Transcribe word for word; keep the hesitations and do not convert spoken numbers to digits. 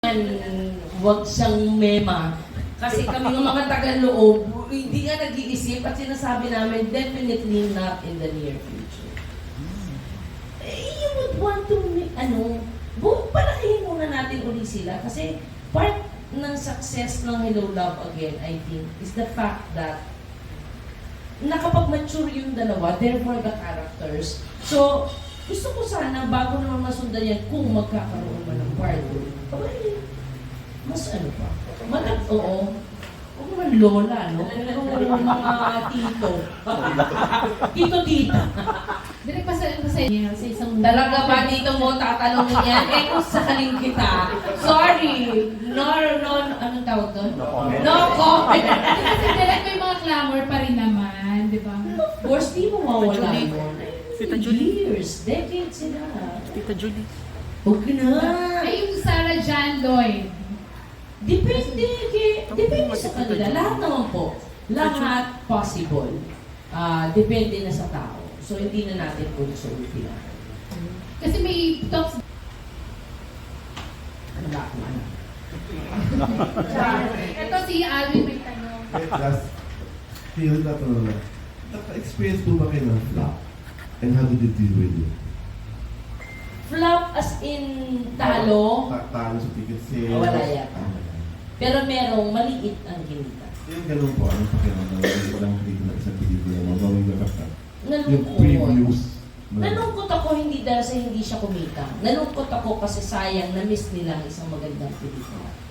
Huwag siyang mema. Kasi kami ng mga taga-loob, hindi nga nag-iisip at sinasabi namin, definitely not in the near future. Eh, you would want to, ano, bu- palakihin muna natin uli sila. Kasi part ng success ng Hello Love Again, I think, is the fact that nakapag-mature yung dalawa, therefore the characters. So, gusto ko sana, bago naman masundan yan, kung magkakaroon man ng part two, abay, mas ano pa, malag, oo, huwag naman lola, no? Pero mga tito, tito-tita. Direk pa sa, sa inyo, sa isang... Talaga ba dito mo tatanungin yan? Eh, kung sakaling kita, sorry, no, no, anong tawag doon? No comment. No comment. Kasi direk may mga clamor pa rin naman, di ba? Of course, di mo mawala Julie. mo. Tita Julie. Years, decades sila. Tita Julie. Huwag na. Ay, yung Sarah Jan Lloyd. Depende, kay, depende sa kanila. Lahat naman po. Lahat possible. Ah, depende na sa tao. So, hindi na natin kung sulti na. Kasi may talks... Ano ba kung ano? Ito si Alvin may tanong. Wait, last field na to na. Naka-experience po ba kayo ng flop? And how did you deal with it? Flop as in talo, Ta- Talo sa ticket sales? Ah, wala yata. Ah, wala. pero merong maliit ang kinita. Yung ganun po, anong pakiramdam na walang hindi na isang pelikula mo, gawin na basta. Yung Nalungkot. previews. na- Nalungkot ako hindi dahil sa hindi siya kumita. Nalungkot ako kasi sayang na-miss nila ang isang magandang pelikula.